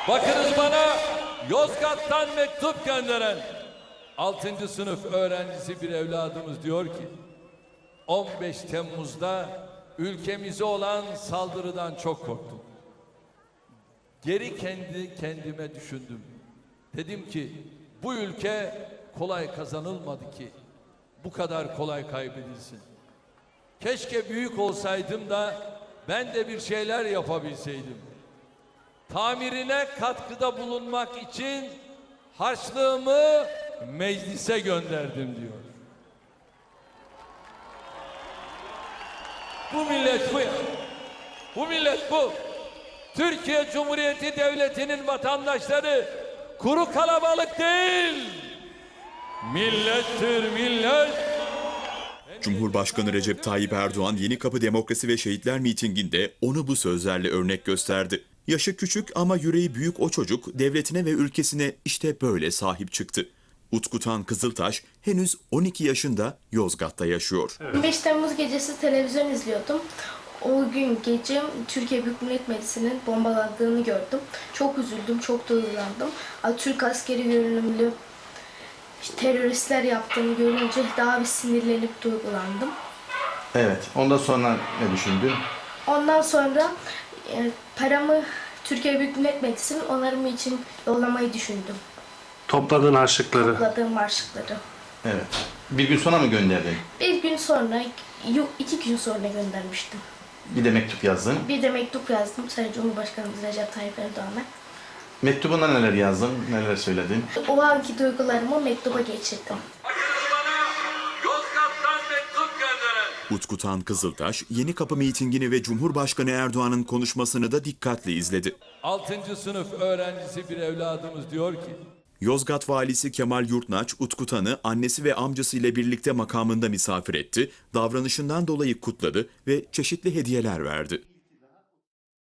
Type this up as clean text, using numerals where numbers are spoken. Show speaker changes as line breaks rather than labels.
Bakınız bana Yozgat'tan mektup gönderen 6. sınıf öğrencisi bir evladımız diyor ki 15 Temmuz'da ülkemize olan saldırıdan çok korktum. Geri kendime düşündüm. Dedim ki bu ülke kolay kazanılmadı ki bu kadar kolay kaybedilsin. Keşke büyük olsaydım da ben de bir şeyler yapabilseydim. Tamirine katkıda bulunmak için harçlığımı meclise gönderdim diyor. Bu millet bu ya. Bu millet bu. Türkiye Cumhuriyeti Devleti'nin vatandaşları kuru kalabalık değil. Millettir millet.
Cumhurbaşkanı Recep Tayyip Erdoğan Yenikapı Demokrasi ve Şehitler mitinginde onu bu sözlerle örnek gösterdi. Yaşı küçük ama yüreği büyük o çocuk devletine ve ülkesine işte böyle sahip çıktı. Utkutan Kızıltaş henüz 12 yaşında Yozgat'ta yaşıyor.
5 Temmuz gecesi televizyon izliyordum. O gün gece Türkiye Büyük Millet Meclisi'nin bombalandığını gördüm. Çok üzüldüm, çok duygulandım. Türk askeri görünümlü teröristler yaptığını görünce daha bir sinirlenip duygulandım.
Evet, ondan sonra ne düşündün?
Ondan sonra paramı Türkiye Büyük Millet Meclisi'nin onarımı için yollamayı düşündüm.
Topladığın harçlıkları.
Topladığım harçlıkları.
Evet. Bir gün sonra mı gönderdin?
Bir gün sonra, 2 gün sonra göndermiştim.
Bir de mektup yazdın.
Bir de mektup yazdım Sayın Cumhurbaşkanımız Recep Tayyip Erdoğan'a.
Mektubunda neler yazdın, neler söyledin?
O anki duygularımı mektuba geçirdim.
Bakınız bana Yozgat'tan mektup gönderen
Utkutan Kızıltaş Yenikapı mitingini ve Cumhurbaşkanı Erdoğan'ın konuşmasını da dikkatle izledi.
6. sınıf öğrencisi bir evladımız diyor ki
Yozgat valisi Kemal Yurtnaç, Utkutan'ı annesi ve amcasıyla birlikte makamında misafir etti, davranışından dolayı kutladı ve çeşitli hediyeler verdi.